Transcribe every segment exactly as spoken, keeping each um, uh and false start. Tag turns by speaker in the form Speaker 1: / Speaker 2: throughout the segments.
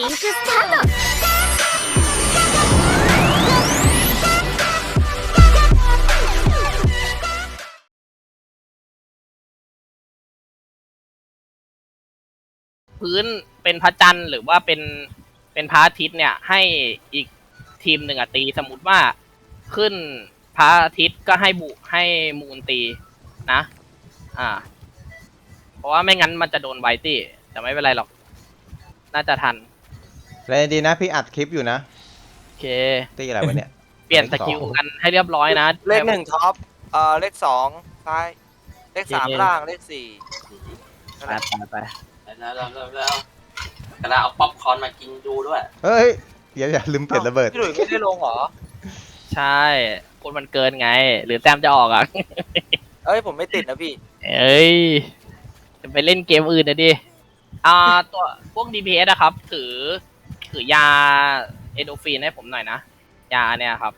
Speaker 1: リンクスタート
Speaker 2: พื้นเป็นพระจันทร์หรือว่าเป็นเป็นพระอาทิตย์เนี่ยให้อีกทีมหนึ่งอะตีสมมติว่าขึ้นพระอาทิตย์ก็ให้บุให้มูนตีนะอ่าเพราะว่าไม่งั้นมันจะโดนไวตี้แต่ไม่เป็นไรหรอกน่าจะทัน
Speaker 3: เลยดีนะพี่อัดคลิปอยู่นะ
Speaker 2: โอเค
Speaker 3: ตีอะไรวะเนี่ย
Speaker 2: เปลี่ยนสกิลกันให้เรียบร้อยนะ
Speaker 4: เลขหนึ่งท็อปเอ่อเลขสองซ้ายเลขสามล่างเลขสี่
Speaker 2: ไปไปไป
Speaker 5: แล้วแล้วแล้วแล้วกระดาเอาป๊อปคอร์นมากินดูด้วย
Speaker 3: เฮ้ยเดี๋ยวอย่าลืมเปลี่ยนระเบิด
Speaker 4: พี่หลุยไม่ได้ลงเหรอ
Speaker 2: ใช่คนมันเกินไง หรือแต้มจะออกอ่ะ
Speaker 4: เอ้ยผมไม่ติดนะพี่
Speaker 2: เอ้ยจะไปเล่นเกมอื่นนะดิอ่าตัวพวก ดี พี เอส นะครับถือถือยาเอโดฟีนให้ผมหน่อยนะ ยาเนี่ยครับ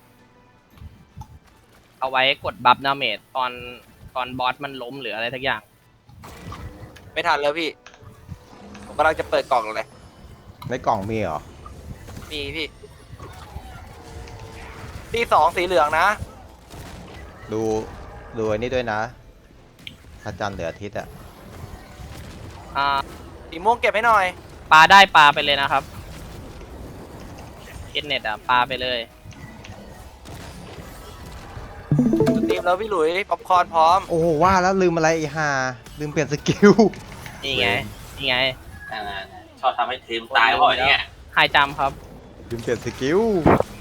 Speaker 2: เอาไว้กดบัฟดาเมจตอนตอนบอสมันล้มหรืออะไรทักอย่าง
Speaker 4: ไม่ทันแล้วพี่ ผมกำลังจะเปิดกล่องเลย
Speaker 3: ในกล่องมีเหรอ
Speaker 4: มีพี่ตีสองสีเหลืองนะ
Speaker 3: ดูดูไอ้นี่ด้วยนะพระจันทร์เหลืออาทิตย์อะ
Speaker 2: อ่า
Speaker 4: สีม่วงเก็บให้หน่อย
Speaker 2: ปลาได้ปลาไปเลยนะครับเอ็นเน็ตอ่ะปลาไปเลย
Speaker 4: สตรีมแล้วพี่หลุยป๊อปคอร์นพร้อม
Speaker 3: โอ้โหว่าแล้วลืมอะไรอีห่าลืมเปลี่ยนสกิล
Speaker 2: นี่ไง นี่ไง
Speaker 5: อ่าชอบทำให้ทีมตายเพราะอย่างเงี้ย
Speaker 2: ใครจำครับ
Speaker 3: ลืมเปลี่ยนสกิล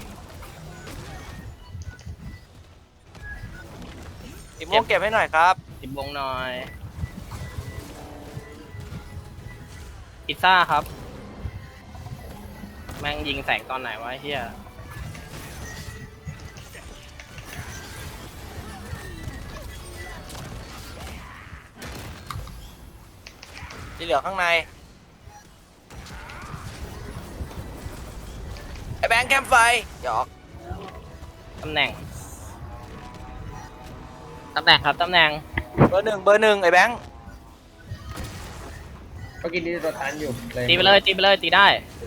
Speaker 4: สีม่วงเก็บให้หน่อยครับ
Speaker 2: ติดวงหน่อยพิซซ่าครับ แม่งยิงแสงตอนไหนวะเฮีย
Speaker 4: สีเหลืองข้างในไอ้แบงค์แคมป์ไฟหยอก
Speaker 2: ตำแหน่ง ตำแหน่งครับ ตำแหน่ง
Speaker 4: เบอร์หนึ่งเบอร์หนึ่งไอ้แบงค์
Speaker 6: เมื่อกี้นี่ตัวทันอยู่เลย
Speaker 2: ตีไปเลย ตีไปเลย ตีได้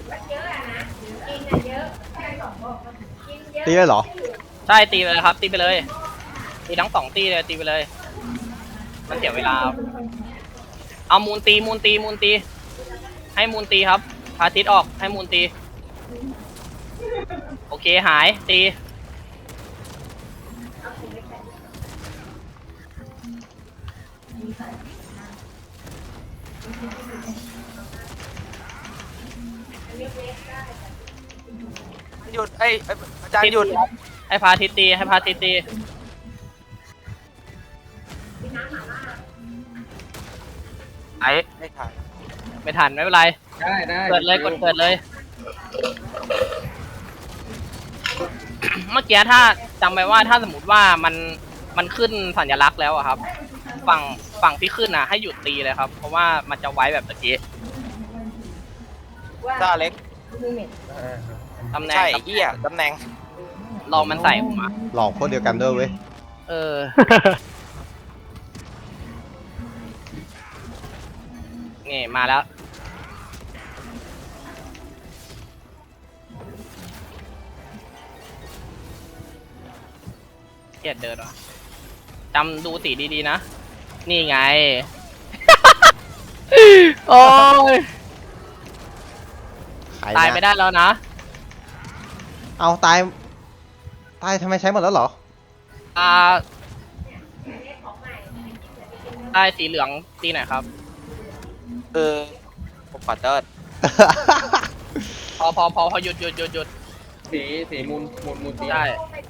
Speaker 3: ตีได้เหรอ
Speaker 2: ใช่ ตีไปเลยครับ ตีไปเลย ตีทั้งสองตีเลย ตีไปเลย มันเสียเวลา เอามูลตี มูลตี มูลตี ให้มูลตีครับพระอาทิตย์ออก ให้มูลตี โอเค หาย ตี
Speaker 4: หยุดไอ้ไอ้อาจารย์หยุด
Speaker 2: ให้พระอาทิตย์ตี ให้พระอาทิตย์ตี ไอ้
Speaker 4: ไม่ทัน
Speaker 2: ไม่ทัน ไม่เป็นไร
Speaker 6: ได้ได้
Speaker 2: เกิดเลย กดเกิดเลย เมื่อกี้ถ้าจำไว้ว่าถ้าสมมติว่ามันมันขึ้นสัญลักษณ์แล้วอะครับ ฝั่งฝั่งที่ขึ้นอะให้หยุดตีเลยครับ เพราะว่ามันจะไว้แบบตะกี้
Speaker 4: ซาเล็ก
Speaker 6: อ่า
Speaker 2: ตำแหน่ง
Speaker 4: ใช่
Speaker 2: ตำ
Speaker 4: เหี้ยตำแหน่ง
Speaker 2: ลองมันใส่ผมอะ
Speaker 3: หลอกพวกเดียวกันด้วยเว้ย
Speaker 2: เออ นี่มาแล้ว เกลียดเดินวะจำดูสีดีๆนะ นี่ไง โอ้ย
Speaker 3: ใคร
Speaker 2: ตาย
Speaker 3: นะ
Speaker 2: ไม่ได้แล้วนะ
Speaker 3: เอาตาย ตายทำไมใช้หมดแล้วเหรอ
Speaker 2: อ่าได้สีเหลืองตีหน่อยครับ
Speaker 4: เออผมขอโทษ
Speaker 2: พอพอพอพอหยุดหยุดหยุดหยุด
Speaker 6: สีสีมูลมูลมูลสี
Speaker 2: ใช่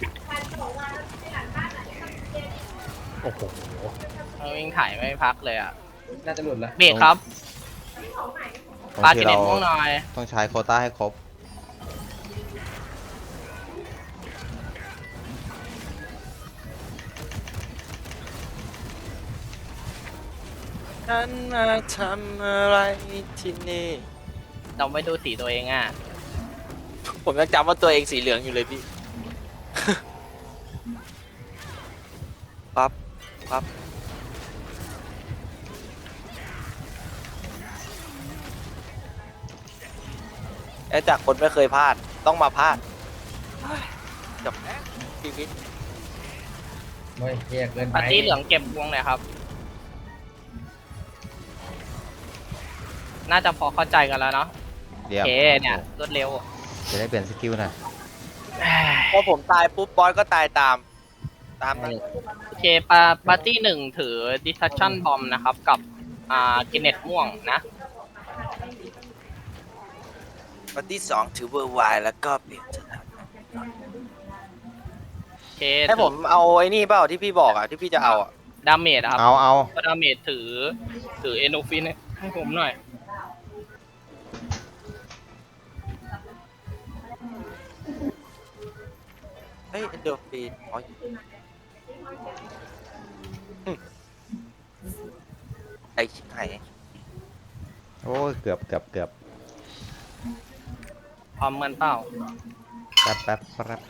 Speaker 3: โอ้โห
Speaker 2: มันวิ่งถ่ายไม่พักเลยอ่ะ
Speaker 6: น่าจะหลุดละ
Speaker 2: เบรกครับ
Speaker 3: บาง
Speaker 2: ปา
Speaker 3: ที
Speaker 2: กินเน็
Speaker 3: เรา
Speaker 2: ตม่วงหน่อย
Speaker 3: ต้องใช้โควต้าให้ครบ
Speaker 4: ฉันมาทำอะไรที่นี่
Speaker 2: เราไม่ดูสีตัวเองอ่ะ
Speaker 4: ผมยังจำว่าตัวเองสีเหลืองอยู่เลยพี่ ปั๊บ ปั๊บแล้วจากคนไม่เคยพลาดต้องมาพลาดเฮ้ยจบแล้วชีวิต
Speaker 6: เฮ้ยเฮียเกินไป
Speaker 2: ปาร์ตี้เหลืองเก็บวงเลยครับ น่าจะพอเข้าใจกันแล้วเนาะ
Speaker 3: เดี๋ยว
Speaker 2: โอเคเนี่ยรวดเร็ว
Speaker 3: จะได้เปลี่ยนสกิลหน่อย
Speaker 4: พอผมตายปุ๊บบอสก็ตายตาม ตามนั้น
Speaker 2: โอเคปาปาร์ตี้หนึ่งถือ destruction bomb นะครับกับอ่ากินเน็ตม่วงนะ
Speaker 4: วันที่สองถือเวอร์ไวแล้วก็เปลี่ยนสถานะ
Speaker 2: โอเค
Speaker 4: ให้ผมเอาไอ้นี่เปล่าที่พี่บอกอ่ะที่พี่จะเอาอ่ะ
Speaker 2: ดาเมจครับ
Speaker 3: เอาเอา
Speaker 2: ดาเมจถือถือเอโนฟินให้ผมหน่อย
Speaker 4: เฮ้ยเอนโดรฟินอ๋ออืมไอ้ชิบหาย
Speaker 3: โอ้ยเกือบเกือบเกือบ
Speaker 2: พร้อมกันเปล่า
Speaker 3: แป๊บแป๊บแป๊บ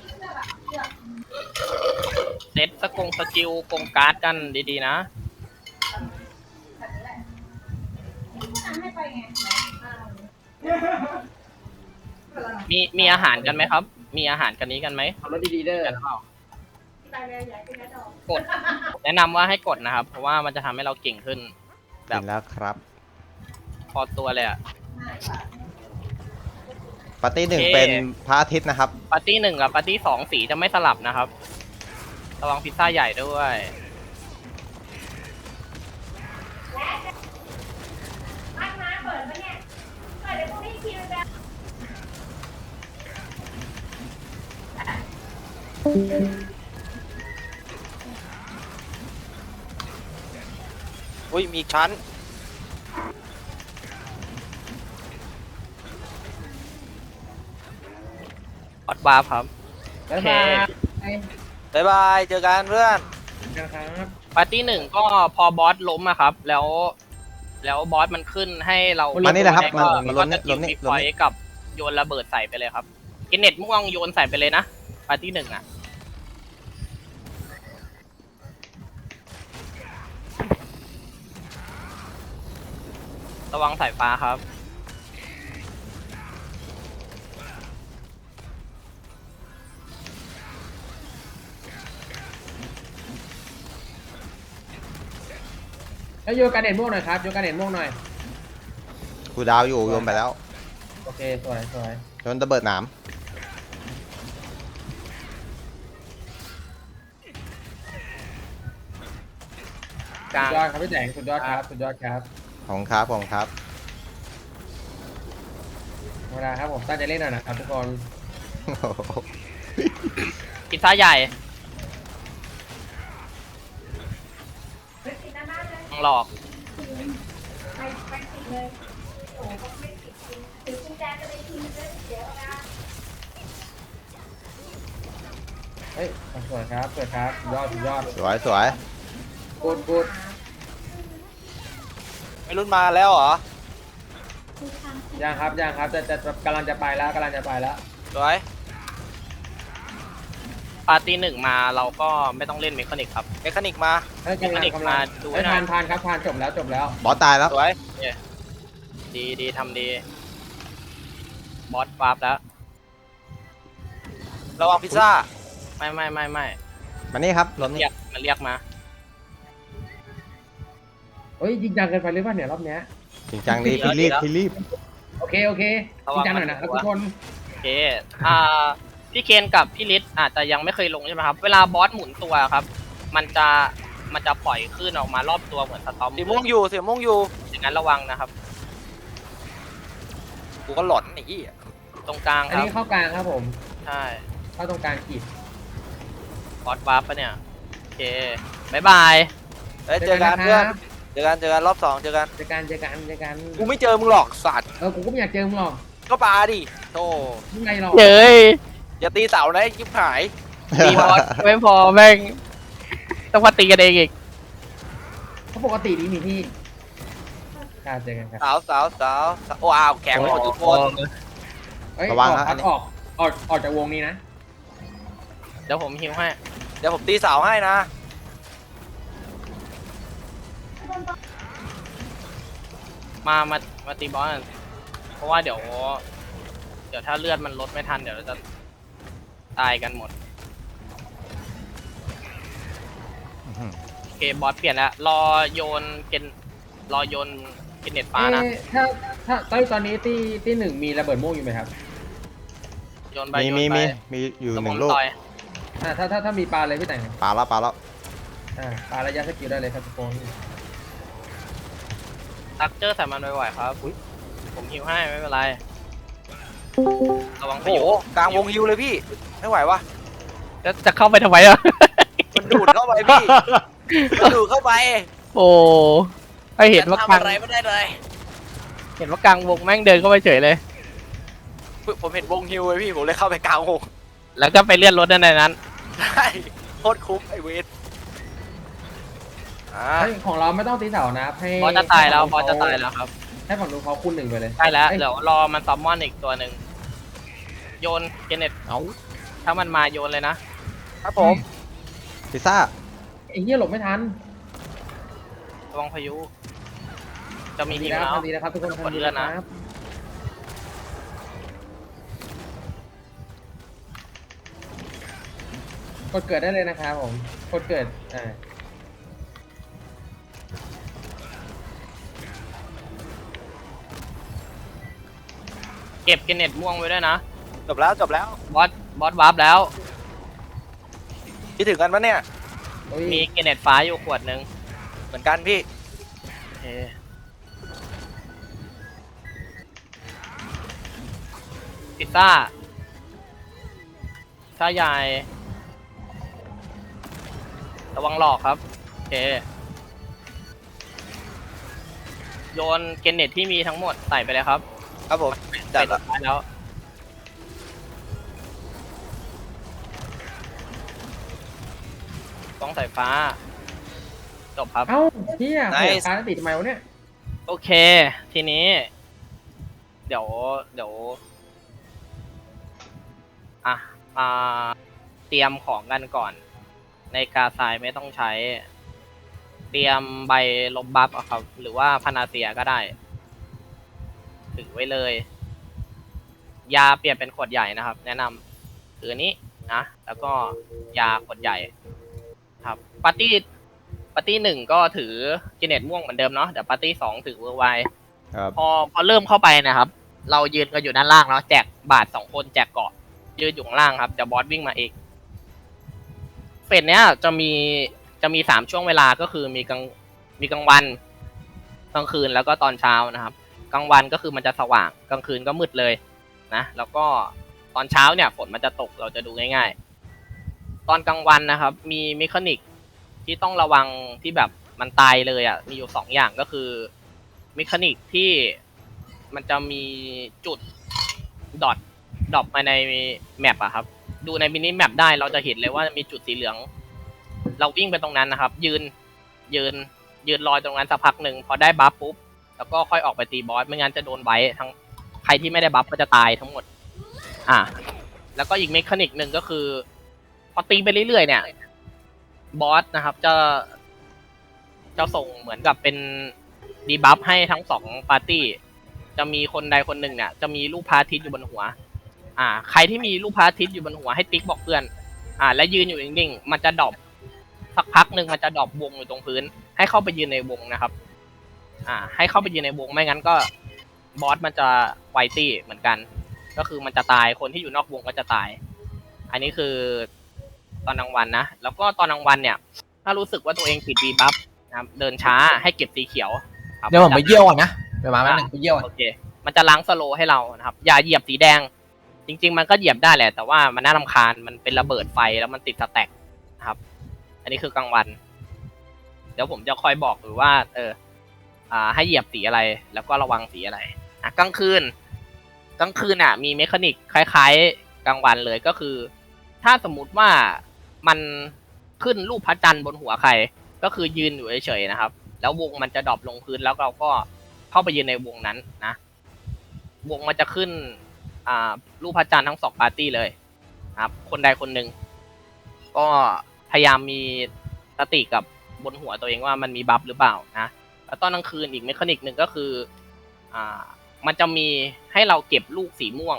Speaker 2: เซตสกงสกิลกงการ์ดกันดีๆนะ มีมีอาหารกันไหมครับ มีอาหารกันนี้กันไหม
Speaker 6: ขับรถดีๆเด้อ
Speaker 2: กันเปล่ากด แนะนำว่าให้กดนะครับ เพราะว่ามันจะทำให้เราเก่งขึ้น แบ
Speaker 3: กิ
Speaker 2: บ
Speaker 3: นแล้วครับ
Speaker 2: พอตัวเลยอะ
Speaker 3: ปาร์ตี้หนึ่ง
Speaker 2: โอเค
Speaker 3: เป็นพระอาทิตย์นะครับ
Speaker 2: ปาร์ตี้หนึ่งกับปาร์ตี้สองสีจะไม่สลับนะครับ ระวังพิซซ่าใหญ่ด้วย
Speaker 1: บ้านม้าเปิดปะเนี่ยเปิดเดี๋ยวพรุ่งนี้คิวจะ
Speaker 4: อุ้ยมีอีกชั้น
Speaker 2: ออดบาร์ครับ
Speaker 6: บ๊าย
Speaker 2: โอเค
Speaker 6: บาย
Speaker 4: บ๊ายบาย เจอกันเพื่อน
Speaker 6: นะครับ
Speaker 2: ปาร์ตี้หนึ่งก็พอบอสล้มอะครับ แล้ว แล้วบอสมันขึ้นให้เรา
Speaker 3: มานี่นะครับ
Speaker 2: ก็
Speaker 3: มา
Speaker 2: ก็
Speaker 3: ล้มนี่
Speaker 2: จะกิ
Speaker 3: ล้
Speaker 2: น
Speaker 3: มนี่
Speaker 2: ฟิป
Speaker 3: ล้
Speaker 2: ไฟ
Speaker 3: มนี่
Speaker 2: กับโยนระเบิดใส่ไปเลยครับกินเน็ตม่วงโยนใส่ไปเลยนะ ปาร์ตี้หนึ่งอะระวังสายฟ้าครับ
Speaker 6: แล้วโยนการเด่นม่วงหน่อยครับโยนการเด่นม่วงหน่อย
Speaker 3: ครูดาวอยู่โยนไปแล้ว
Speaker 6: โอเคสวยสวย
Speaker 3: โยนระเบิดหนาม
Speaker 2: กลาง
Speaker 6: สุดยอดครับพี่แจงสุดยอดครับสุดยอดครับ
Speaker 3: ของครับของครับ
Speaker 6: เวลาครับผมตั้งใจเล่นหน่อยนะครับทุกคน
Speaker 2: พิซซ่าใหญ่ต้องหลอก
Speaker 1: ไปไปติดเลยโอ้ก็ไม่ติดจริงถือกุญแจจะไปทิ้งเลยเดี๋ยวนะ
Speaker 6: เฮ้ยสวยครับสวยครับสุดยอดสุดยอด
Speaker 3: สวยสวย
Speaker 6: กูดกูด
Speaker 4: ไม่รุ่นมาแล้วเหรอ
Speaker 6: ยังครับยังครับจะจะจะกำลังจะไปแล้วกำลังจะไปแล้ว
Speaker 4: สวย
Speaker 2: ปาร์ตี้หนึ่งมาเราก็ไม่ต้องเล่นเมคานิกครับ
Speaker 4: เมคานิกมา
Speaker 6: เฮ้ยกำลัง
Speaker 2: เด็ก
Speaker 6: กำลั
Speaker 2: มาง ดู
Speaker 6: เฮ้ย
Speaker 2: หน่อย
Speaker 6: ทานทานครับทานจบแล้วจบแล้ว
Speaker 3: บอสตายแล้ว
Speaker 4: สวย
Speaker 2: ดีดีทำดี บอสวาร์ปแล้ว
Speaker 4: ระวังพิซซ่า
Speaker 2: ไม่ไม่ไม่ไม่
Speaker 3: มานี่ครับล้ม
Speaker 2: เรี
Speaker 3: นี่
Speaker 2: ยกมันเรียกมา
Speaker 6: เฮ้ยจริงจังเกินไปหรือเปล่าเนี่ยรอบเนี้ย
Speaker 3: จริงจังดีพี่รีบพี่รีบ
Speaker 6: โอเคโอเคจริงจังหน่อยนะครับทุกคน
Speaker 2: โอเค อ่า พี่เคนกับพี่ลิศอาจจะยังไม่เคยลงใช่ไหมครับ เวลาบอสหมุนตัวครับ มันจะ มันจะปล่อยคลื่นออกมารอบตัวเหมือนสตอม
Speaker 4: สีม่วงอยู่สีม่วงอยู่
Speaker 2: อย่างนั้นระวังนะครับ
Speaker 4: กูก็หลอนไอ้ที่
Speaker 2: ตรงกลาง
Speaker 6: อัน
Speaker 2: ครับ
Speaker 6: นี้เข้ากลางครับผม
Speaker 2: ใช่
Speaker 6: เข้าตรงกลางขีด
Speaker 2: บอสวาร์ปปะเนี่ย โอเคบ๊ายบาย
Speaker 4: เอ้ยเจอกันเพื่อน เจอกันเจอกันรอบสองเจอกัน
Speaker 6: เจอกันเจอกันเจอกัน
Speaker 4: กูไม่เจอมึงหรอกสัตว์
Speaker 6: เออกูก็ไม่อยากเจอมึงหรอก
Speaker 4: ก็ปาดิโธ่
Speaker 6: ไม่ไงหรอก
Speaker 2: เย้ย
Speaker 4: อย่าตีเสานะไอ้ยิบหาย
Speaker 2: ตีบอสไม่พอแม่ง ต้องมาตีกันเองอีก
Speaker 6: เพราะปกติดีมีที่ครับเจอกันครับ
Speaker 4: สาวสาวสาวสาวว้าวแข็งหมดทุกคน
Speaker 6: เอ้ย
Speaker 3: ระวัง
Speaker 6: ออก
Speaker 3: นะ
Speaker 6: ค
Speaker 3: อั
Speaker 6: รั
Speaker 3: น
Speaker 6: บ
Speaker 3: นี้
Speaker 6: ออกออกออกจากวงนี้นะ
Speaker 2: เดี๋ยวผมฮิวให้
Speaker 4: เดี๋ยวผมตีเสาให้นะ
Speaker 2: มา มา มาตีบอสกันเพราะว่าเดี๋ยวดี๋ยวถ้าเลือดมันลดไม่ทันเดี๋ยวเราจะตายกันหมด
Speaker 3: อื้อหือ
Speaker 2: โอเคบอสเปลี่ยนแล้วรอโยนเกนรอโยนเกนเน็ตฟ้านะ
Speaker 6: เอ๊ะถ้าถ้าตอนตอนนี้ที่ที่หนึ่งมีระเบิดม่วงอยู่ไหมครับ
Speaker 2: โยนไป
Speaker 3: มี
Speaker 2: โยน
Speaker 3: มี
Speaker 2: ไป
Speaker 3: มีมีอยู่
Speaker 2: ระ
Speaker 3: ห
Speaker 2: วั
Speaker 3: นึ่
Speaker 2: ง
Speaker 3: งลูก
Speaker 2: ต่อย
Speaker 6: อ่าถ้าถ้าถ้ามีปลาเลยพี่แต่ง
Speaker 3: ปาแล้วปาแล้ว
Speaker 6: อ่าปลาระยะสกิลได้เลยครับทุกคน
Speaker 2: ตักเจอร์ใส่มันบ่อยๆครับผมฮิวให้ไม่เป็นไรระวังพา
Speaker 4: โอ้โห
Speaker 2: ยุ
Speaker 4: กลางวงฮิวเลยพี่ ไม่ไหววะ
Speaker 2: จะจะเข้าไปทำไมอ่ะ
Speaker 4: มันดูดเข้าไปพี่ มันดูดเข้าไป
Speaker 2: โอ้ไอเห็นว่ากลาง
Speaker 4: ทำอะไรไม่ได้เลย
Speaker 2: เห็นว่ากลางวงแม่งเดินเข้าไปเฉยเลย
Speaker 4: ผมเห็นวงฮิวเลยพี่ ผมเลยเข้าไปกลางวง
Speaker 2: แล้วก็ไปเลื่อนรถในนั้น
Speaker 4: ใช่โคตรคุ้มไอเวทอ่า
Speaker 6: เฮ้ยของเราไม่ต้องตีเสานะครับให้
Speaker 2: บอสจะตายแล้ว
Speaker 6: ให้
Speaker 2: บอ
Speaker 6: ฝั่
Speaker 2: ส
Speaker 6: ง
Speaker 2: จะตายแล้วครับ
Speaker 6: ให้ฝั่งนู้นเขาคูณหนึ่งไปเลย
Speaker 2: ใช่แล้ว
Speaker 6: อ้ย
Speaker 2: เดี๋ยวรอมันซัมมอนอีกตัวหนึ่งโยนเกเน็ต
Speaker 3: เอา
Speaker 2: ถ้ามันมาโยนเลยนะครับ
Speaker 4: ผม
Speaker 3: พิซซ่า
Speaker 6: ไอ้เหี้ยหลบไม่ทัน
Speaker 2: ระวังพายุ จะมี
Speaker 6: ดี
Speaker 2: หิม
Speaker 6: นะค
Speaker 2: แล้
Speaker 6: รับ
Speaker 2: ว
Speaker 6: ดีนะครับทุกคน
Speaker 2: กดเลือดนะ
Speaker 6: ครับกดเกิดได้เลยนะครับผมกดเกิดอ่า
Speaker 2: เก็บเกเน็ตม่วงไว้ด้วยนะ
Speaker 4: จบแล้วจบแล้ว
Speaker 2: บอสบอสวาร์ปแล้ว
Speaker 4: คิดถึงกันปะเนี่ย
Speaker 6: โอ้ย
Speaker 2: มีเกเน็ตฟ้าอยู่ขวดหนึ่ง
Speaker 4: เหมือนกันพี่
Speaker 2: โอเคพิซซ่าพิซซ่าใหญ่ระวังหลอกครับโอเคโยนเกเน็ตที่มีทั้งหมดใส่ไปเลยครับ
Speaker 4: ครับผม
Speaker 2: ใส่
Speaker 4: จัด
Speaker 2: สุ
Speaker 4: ละ
Speaker 2: ดท้ายแล้วต้องสายฟ้าจบครับ
Speaker 6: เอ้าเหี้ยโหดปลาติดทำไมวะเนี่ย
Speaker 2: โอเค ทีนี้ เดี๋ยว เดี๋ยว อ่ะมาเตรียมของกันก่อน ในกาทรายไม่ต้องใช้ เตรียมใบลบบัฟอะครับ หรือว่าพานาเซียก็ได้ ถือไว้เลย ยาเปลี่ยนเป็นขวดใหญ่นะครับ แนะนำถืออันนี้นะ แล้วก็ยาขวดใหญ่ ครับปาร์ตี้ปาร์ตี้หนึ่งก็ถือกินเนตม่วงเหมือนเดิมเนาะเดี๋ยวปาร์ตี้สองถือเวอร์ไว
Speaker 3: ครับ
Speaker 2: พอพอเริ่มเข้าไปนะครับ เรายืนกันอยู่ด้านล่างเนาะแจกบาทสองคนแจกเกาะยืนอยู่ข้างล่างครับเดี๋ยวบอสวิ่งมาเองเฟสเนี้ยจะมีจะมีสามช่วงเวลาก็คือมีกลางมีกลางวันกลางคืนแล้วก็ตอนเช้านะครับกลางวันก็คือมันจะสว่างกลางคืนก็มืดเลยนะแล้วก็ตอนเช้าเนี่ยฝนมันจะตกเราจะดูง่ายๆ ตอนกลางวันนะครับ มีเมคานิกที่ต้องระวังที่แบบมันตายเลยอ่ะมีอยู่สองอย่างก็คือเมคานิกที่มันจะมีจุดดอทดรอปมาในแมปอะครับดูในมินิแมปได้เราจะเห็นเลยว่ามีจุดสีเหลือง เราวิ่งไปตรงนั้นนะครับ ยืนยืนยืนรอยตรงนั้นสักพักหนึ่งพอได้บัฟปุ๊บแล้วก็ค่อยออกไปตีบอสไม่งั้นจะโดนไว้ทั้งใครที่ไม่ได้บัฟก็จะตายทั้งหมดอ่ะแล้วก็อีกเมคานิกหนึ่งก็คือพอตีไปเรื่อยๆเนี่ยบอสนะครับจะจะส่งเหมือนกับเป็นดีบัฟให้ทั้งสองปาร์ตี้จะมีคนใดคนหนึ่งเนี่ยจะมีรูปพระอาทิตย์อยู่บนหัวอ่าใครที่มีรูปพระอาทิตย์อยู่บนหัวให้ติ๊กบอกเพื่อนอ่าและยืนอยู่นิ่งๆมันจะดรอปสักพักหนึ่งมันจะดรอปวงอยู่ตรงพื้นให้เข้าไปยืนในวงนะครับอ่าให้เข้าไปยืนในวงไม่งั้นก็บอสมันจะไวตี้เหมือนกันก็คือมันจะตายคนที่อยู่นอกวงก็จะตายอันนี้คือตอนกลางวันนะแล้วก็ตอนกลางวันเนี่ยถ้ารู้สึกว่าตัวเองติดดีบัฟนะครับเดินช้าให้เก็บสีเขียวครับ
Speaker 7: เดี๋ยวผมไปเยี่ยวก่อนนะไปมาแป๊บนึงไปเยี่ยวก่อน
Speaker 2: โอเค มันจะล้างสโลว์ให้เรานะครับ อย่าเหยียบสีแดง จริง ๆ มันก็เหยียบได้แหละ แต่ว่ามันน่ารำคาญ มันเป็นระเบิดไฟแล้วมันติดสแต็กนะครับ อันนี้คือกลางวัน เดี๋ยวผมจะคอยบอกหรือว่า เออ อ่า ให้เหยียบสีอะไร แล้วก็ระวังสีอะไรอ่ะกลางคืน กลางคืนอ่ะ มีเมคานิกคล้ายๆกลางวันเลยก็คือ ถ้าสมมุติว่ามันขึ้นรูปพระจันทร์บนหัวใคร ก็คือยืนอยู่เฉยๆนะครับ แล้ววงมันจะดรอปลงพื้นแล้วเราก็เข้าไปยืนในวงนั้นนะ วงมันจะขึ้นอ่ารูปพระจันทร์ทั้งสองปาร์ตี้เลยครับ คนใดคนหนึ่งก็พยายามมีสติกับบนหัวตัวเองว่ามันมีบัฟหรือเปล่านะแล้วตอนกลางคืนอีกเมคานิกหนึ่งก็คืออ่ามันจะมีให้เราเก็บลูกสีม่วง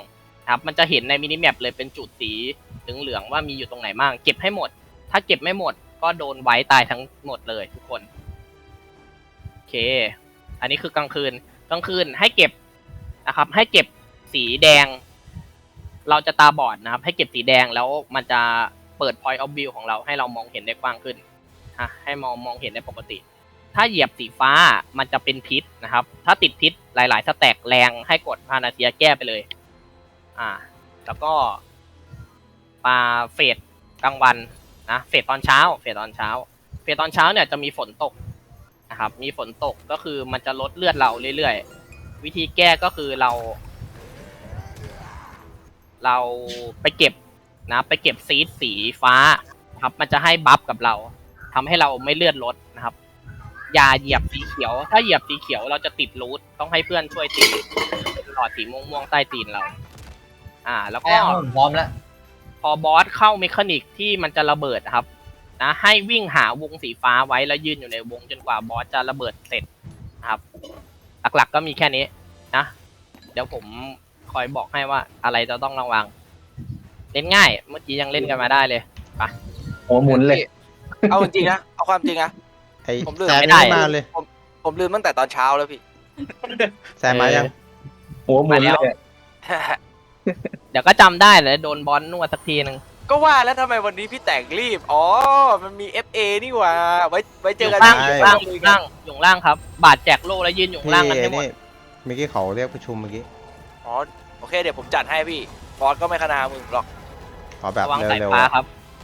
Speaker 2: ครับมันจะเห็นในมินิแมปเลยเป็นจุดสีเหลืองๆว่ามีอยู่ตรงไหนบ้างเก็บให้หมด ถ้าเก็บไม่หมดก็โดนไว้ตายทั้งหมดเลยทุกคนโอเคอันนี้คือกลางคืนกลางคืนให้เก็บนะครับให้เก็บสีแดง เราจะตาบอดนะครับให้เก็บสีแดงแล้วมันจะเปิด point of view ของเราให้เรามองเห็นได้กว้างขึ้นฮะให้มองมองเห็นได้ปกติ ถ้าเหยียบสีฟ้ามันจะเป็นพิษนะครับ ถ้าติดพิษหลายๆสแต็กแรงให้กดพานาเซียแก้ไปเลยอ่าแล้วก็ปลาเฟดกลางวันนะเฟดตอนเช้าเฟดตอนเช้าเฟดตอนเช้าเนี่ยจะมีฝนตกนะครับมีฝนตกก็คือมันจะลดเลือดเราเรื่อยๆวิธีแก้ก็คือเรา เราไปเก็บนะไปเก็บซีดสีฟ้าครับมันจะให้บัฟกับเราทำให้เราไม่เลือดลดนะครับอย่าเหยียบสีเขียว ถ้าเหยียบสีเขียวเราจะติดรูทต้องให้เพื่อนช่วยตีหลอดสีม่วงๆใต้ตีนเราอ่าแล้วก็
Speaker 7: แอ้ผมพร้อมแล้ว
Speaker 2: พอบอสเข้าเมคานิกที่มันจะระเบิดนะครับนะให้วิ่งหาวงสีฟ้าไว้แล้วยืนอยู่ในวงจนกว่าบอสจะระเบิดเสร็จนะครับหลักๆก็มีแค่นี้นะเดี๋ยวผมคอยบอกให้ว่าอะไรจะต้องระวังเล่นง่ายเมื่อกี้ยังเล่นกันมาได้เลยไป
Speaker 7: โอ้หมุนเลย
Speaker 4: เอาจริงๆนะเอาความจริงนะ
Speaker 3: ไอ้
Speaker 4: ผมลืม
Speaker 3: แซม
Speaker 2: ไม่ได้
Speaker 3: ไม่มาเลย
Speaker 4: ผมผมลืมตั้งแต่ตอนเช้าแล้วพี่
Speaker 3: แซมมายัง
Speaker 7: หัวหมุนเลย
Speaker 2: เดี๋ยวก็จำได้เลยโดนบอลนวดสักทีหนึ่ง
Speaker 4: ก็ว่าแล้วทำไมวันนี้พี่แต่งรีบอ๋อมันมี เอฟ เอ นี่หว่าไว้ไว้เจอกัน
Speaker 2: ล่าง
Speaker 3: ใช่
Speaker 2: อยู่ล่างอยู่ล่างอยู่ล่างครับ บาดแจกโลแล้วยืนอยู่
Speaker 3: นี่
Speaker 2: ล่างกันให้หมด
Speaker 3: นี่เมื่อกี้เขาเรียกประชุมเมื่อกี้
Speaker 4: อ๋อโอเคเดี๋ยวผมจัดให้พี่บอสก็ไม่ขนามึงหรอก
Speaker 3: ขอแบบ
Speaker 2: ระวังสาย
Speaker 3: เร็ว
Speaker 2: ฟ้า
Speaker 3: ๆ
Speaker 2: ครับ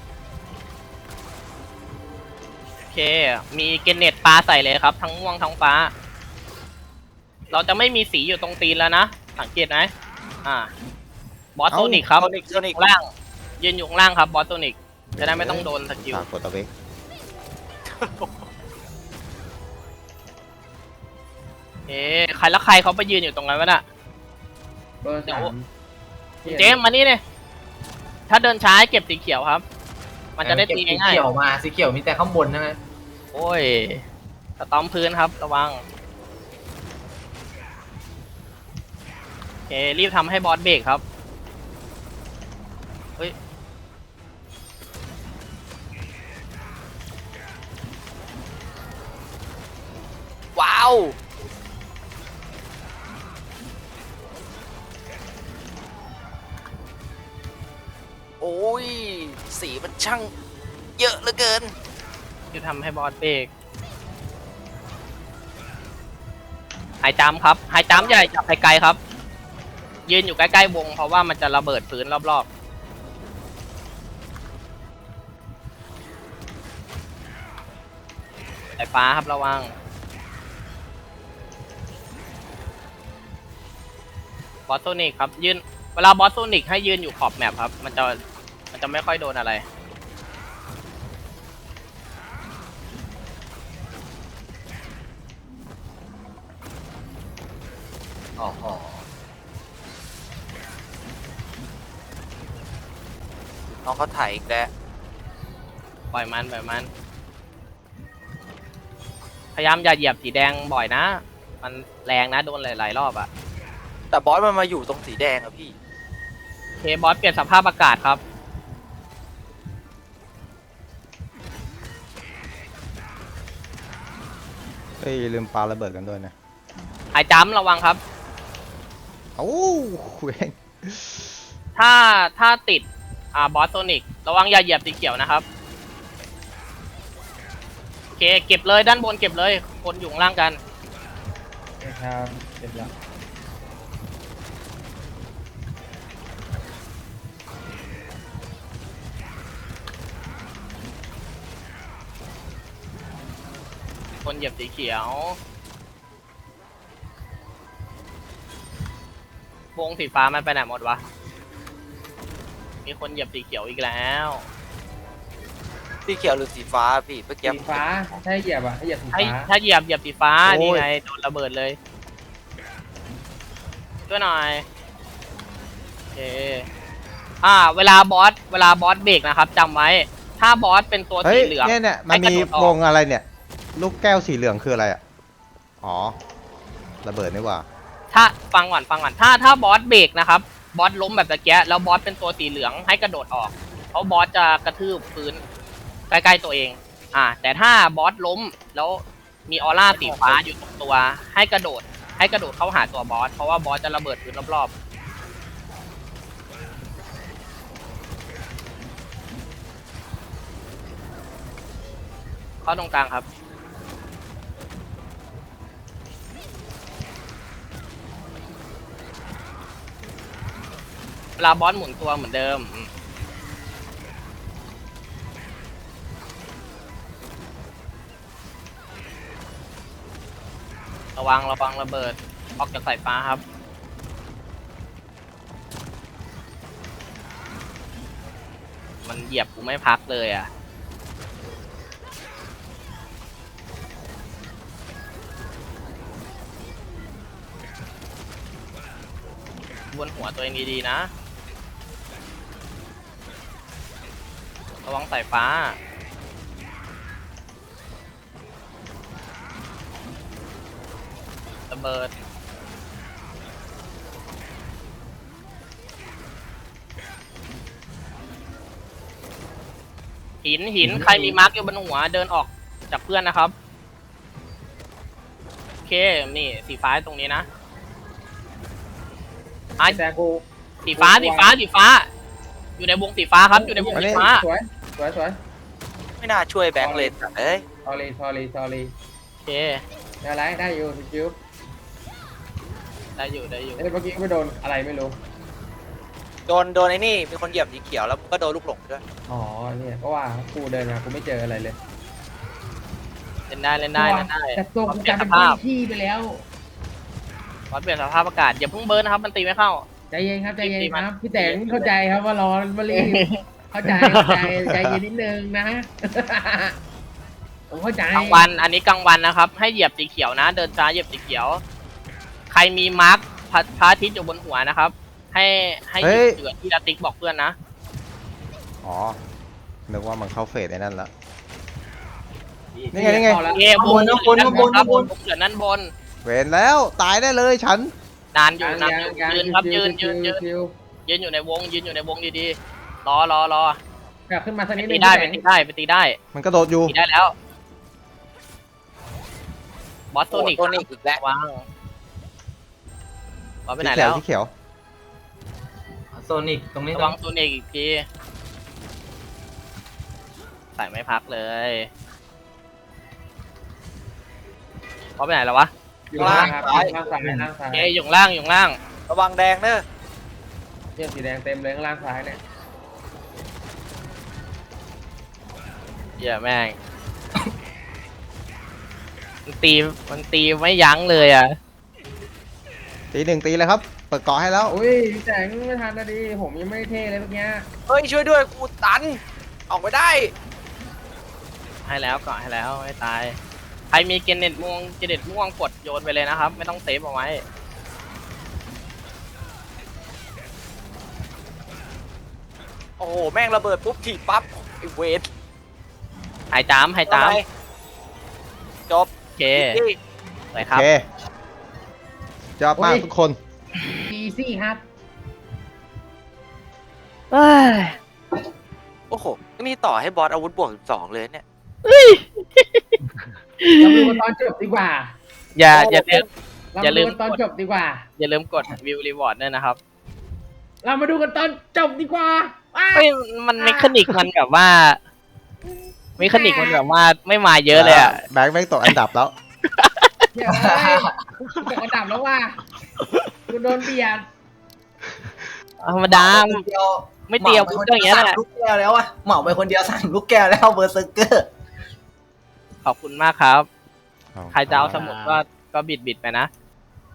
Speaker 2: โอเค มีเกนเนตปลาใส่เลยครับ ทั้งม่วงทั้งฟ้า เราจะไม่มีสีอยู่ตรงตีนแล้วนะ สังเกตไหมอ่า บอสโซนิกครับ
Speaker 4: โซนิกโซนิก
Speaker 2: ข้างล่าง ยืนอยู่ข้างล่างครับ บอสโซนิก จะได้ไม่ต้องโดนสกิล
Speaker 3: ฝากกดตัวเวก
Speaker 2: เอ๊ะใครแล้วใครเขาไปยืนอยู่ตรงนั้นวะน่ะ
Speaker 6: เบอร์สาม
Speaker 2: เจมส์มานี่เลยถ้าเดินช้าให้เก็บสีเขียวครับ มันจะได้ตี
Speaker 7: เก็บสี
Speaker 2: ง่าย
Speaker 7: เขียวมาสีเขียวมีแต่ข้างบนใช่ไหม
Speaker 2: ๆโอ้ยสตอมพื้นครับ ระวัง โอเค รีบทำให้บอสเบรกครับ เฮ้ย
Speaker 4: ว้าวโอ้ยสีมันช่างเยอะเหลือเกิน
Speaker 2: รีบทำให้บอสเบรกหายจามครับหายจามอย่าจับไกลๆครับ ยืนอยู่ใกล้ๆวงเพราะว่ามันจะระเบิดพื้นรอบๆสายฟ้าครับระวัง บอสโซนิกครับยืนเวลาบอสโซนิกให้ยืนอยู่ขอบแมปครับ มันจะมันจะไม่ค่อยโดนอะไร
Speaker 7: อ๋ออ๋อ
Speaker 4: น้องเขาถ่ายอีกแล้ว
Speaker 2: ปล่อยมันปล่อยมัน พยายามอย่าเหยียบสีแดงบ่อยนะ มันแรงนะโดนหลายๆรอบอะ
Speaker 4: แต่บอสมันมาอยู่ตรงสีแดงอะพี่
Speaker 2: โอเคบอสเปลี่ยนสภาพอากาศครับ
Speaker 3: เฮ้ยลืมปาระเบิดกันด้วยนะ
Speaker 2: หายจ้ำระวังครับ
Speaker 3: เอ้าเว้ง
Speaker 2: ถ้าถ้าติดอ่าบอสโซนิกระวังอย่าเหยียบสีเขียวนะครับโอเคเก็บเลยด้านบนเก็บเลยคนอยู่ข้างล่างกัน
Speaker 6: นะครับเสร็จแล้ว
Speaker 2: คนเหยียบสีเขียววงสีฟ้ามันไปไหนหมดวะมีคนเหยียบสีเขียวอีกแล้ว
Speaker 4: สีเขียวหรือสีฟ้าพี่เมื่อกี้
Speaker 6: สีฟ้าถ้าเหยียบอ่ะให้เหยียบสี
Speaker 2: ให้
Speaker 6: ฟ้า
Speaker 2: ถ้าเหยียบเหยียบสีฟ้านี่ไงโดนระเบิดเลยช่วยหน่อยโอเคอ่าเวลาบอสเวลาบอสเบรกนะครับจำไว้ ถ้าบอสเป็นตัว
Speaker 3: เฮ้
Speaker 2: สี
Speaker 3: ย
Speaker 2: เหลือง
Speaker 3: เนี่ยเนี่ยมัน
Speaker 2: ให้กระ
Speaker 3: มี
Speaker 2: โดดออก
Speaker 3: วงอะไรเนี่ย ลูกแก้วสีเหลืองคืออะไรอ่ะ อ๋อ ระเบิดนี่หว่า
Speaker 2: ถ้าฟังก่อนฟังก่อนถ้าถ้าบอสเบรกนะครับบอสล้มแบบตะเกียแล้วบอสเป็นตัวสีเหลืองให้กระโดดออกเพราะบอสจะกระทืบพื้นใกล้ๆตัวเองอ่าแต่ถ้าบอสล้มแล้วมีออร่าสีฟ้าอยู่ตรงตัวให้กระโดดให้กระโดดเข้าหาตัวบอสเพราะว่าบอสจะระเบิดพื้นรอบๆเข้าตรงกลางครับเวลาบอสหมุนตัวเหมือนเดิมระวังระวังระเบิดออกจากสายฟ้าครับมันเหยียบกูไม่พักเลยอ่ะบนหัวตัวเองดีๆนะระวังสายฟ้าระเบิดหินหินใครมีมาร์กอยู่บนหัวเดินออกจากเพื่อนนะครับโอเคนี่สีฟ้าตรงนี้นะไอ้
Speaker 6: แต่กู
Speaker 2: สีฟ้าสีฟ้าสีฟ้าอยู่ในวงสีฟ้าครับอยู่ในวงสีฟ้า
Speaker 6: สวยสวยสวย
Speaker 4: ไม่น่าช่วยแบงค์เลยแต่เอ้ย
Speaker 6: sorry sorry sorry
Speaker 2: โอเค
Speaker 6: อะไรได้อยู่ชิว
Speaker 2: ได้อยู่ได้อยู่
Speaker 6: ๆเอ้ยเมื่อกี้ไม่โดนอะไรไม่รู้
Speaker 4: โดนโดนไอ้นี่มีคนเหยียบสีเขียวแล้วก็โดนลูกหลงด้วย
Speaker 6: อ๋อเนี่ยก็ว่ากูเดินมากูไม่เจออะไรเลย
Speaker 2: เล่นได้เล่นได้เล่นได้
Speaker 6: แต่ตัว
Speaker 2: บอส
Speaker 6: กู
Speaker 2: เปลี่
Speaker 6: ก
Speaker 2: ย
Speaker 6: ลาน ย
Speaker 2: ส
Speaker 6: เป็น
Speaker 2: ภาพ
Speaker 6: ขี้ไปแล้ว
Speaker 2: บอสเปลี่ยนสภาพอากาศอย่าเพิ่งเบิร์นนะครับมันตีไม่เข้า
Speaker 6: ใจเย็นครับใจเย็น
Speaker 2: ตี
Speaker 6: ค
Speaker 2: มัน
Speaker 6: รับพี่แต่งเข้าใจครับว่าร้อนมารีบเข้าใจเข้าใจใจเย็นนิดนึงนะผมเข้าใจ
Speaker 2: กลางวันอันนี้กลางวันนะครับให้เหยียบสีเขียวนะ เดินซ้ายเหยียบสีเขียว ใครมีมาร์คพระพระอาทิตย์อยู่บนหัวนะครับ ให้ให้หยิบเหลือที่อาติ๊กบอกเพื่อนนะ
Speaker 3: อ๋อนึกว่ามันเข้าเฟสไอ้นั่นละนี่ไงนี่ไง
Speaker 6: พอแล้ว
Speaker 2: เอบนบนบนบนเหลือนั่นบน
Speaker 3: เวนแล้วตายได้เลยฉัน
Speaker 2: นานอยู่นานอยู่
Speaker 6: ยัง
Speaker 2: ยืนครับ
Speaker 6: ชิ
Speaker 2: ยื
Speaker 6: วน
Speaker 2: ยืนยืน
Speaker 6: ชิว
Speaker 2: ยืนอยู่ในวงยืนอยู่ในวงดีๆรอรอรอ
Speaker 6: ๆกลับขึ้นมาสัก
Speaker 2: ไป
Speaker 6: นิดนึ
Speaker 2: ตี
Speaker 6: ง
Speaker 2: ได้ไป
Speaker 6: พี่
Speaker 2: ตีได้ไปตีได้
Speaker 3: มันกระโดดอยู่
Speaker 2: ตีได้แล้วบอสโซ
Speaker 4: โอ้
Speaker 2: นิก
Speaker 4: ตัวนี้อีกแล้ว
Speaker 2: วางบอสไป
Speaker 3: สี
Speaker 2: ไหน
Speaker 3: เขีย
Speaker 2: แล้ว ว
Speaker 3: สีเขียว
Speaker 7: โซนิกตรงนี้
Speaker 2: ระวังโซนิกอีกทีใส่ไม่พักเลยบอสไปไหนแล้ววะ
Speaker 6: อยู่ล่างครับล่างซ้ายล่างซ้าย
Speaker 2: เออยู่ข้างล่างอยู่ข้างล่าง
Speaker 4: ระวังแดงเนอะ
Speaker 6: เนี่ยสีแดงเต็มเลยข้างล่างซ้ายเนี่ย
Speaker 2: เหี้ยแม่ง มันตีมันตีไม่ยั้งเลยอ่ะ
Speaker 3: ตีหนึ่งตีเลยครับเปิดเกาะให้แล้ว
Speaker 6: อุ้ยพี่แต่งไม่ทันนะดิผมยังไม่ได้เท่เลยเมื่อกี้
Speaker 4: เฮ้ยช่วยด้วยกูตันออกไปได้
Speaker 2: ให้แล้วก่อนให้แล้วไม่ตายใครมีเกนเน็ตม่วงเกนเน็ตม่วงกดโยนไปเลยนะครับ ไม่ต้องเซฟเอาไว้
Speaker 4: โอ้โหแม่งระเบิดปุ๊บถีบปั๊บไอ้เวท
Speaker 2: หายจามหายจาม
Speaker 4: ทำไมจบ
Speaker 2: โอเค
Speaker 4: ที่
Speaker 2: สวยค
Speaker 3: โอ
Speaker 2: รับ
Speaker 3: เคจอบมากทุกคน
Speaker 6: อีซี่ครับ
Speaker 2: เอ้ย
Speaker 4: โอ้โหนี่ต่อให้บอสอาวุธบวกสิบสองเลยเนี่ย
Speaker 6: เราดูกันตอนจบดีกว่า
Speaker 2: อย่าอย่าลืม
Speaker 6: เรา
Speaker 2: อย่า
Speaker 6: มา
Speaker 2: ลื
Speaker 6: ดู
Speaker 2: ม
Speaker 6: กันตอนจบดีกว่า
Speaker 2: อย่าลืมกดวิวรีวอร์ดด้วยนะครับ
Speaker 6: เรามาดูกันตอนจบดีกว่าว้าว
Speaker 2: เฮ้ยมันเมคานิกมันแบบว่าเมคานิกมันแบบว่าไม่มาเยอะเลยอ่ะ
Speaker 3: แบงค์แบงค์ตกอันดับแล้ว
Speaker 6: เดี๋ยวเฮ้ยตกอันดับแล้วว่ะกูโดนเบียด
Speaker 2: ธรรมดา
Speaker 7: คนเดียว
Speaker 2: ไม่เตรียมก็อย่างเงี้ยแหละ
Speaker 7: ลูกแก้วแล้วอะเหมาไปคนเดียวสั่งลูกแก้วแล้วเบอร์เซอร์เกอร์
Speaker 2: ขอบคุณมากครับ ใครจะเอาสมุดก็ก็บิดบิดไปนะ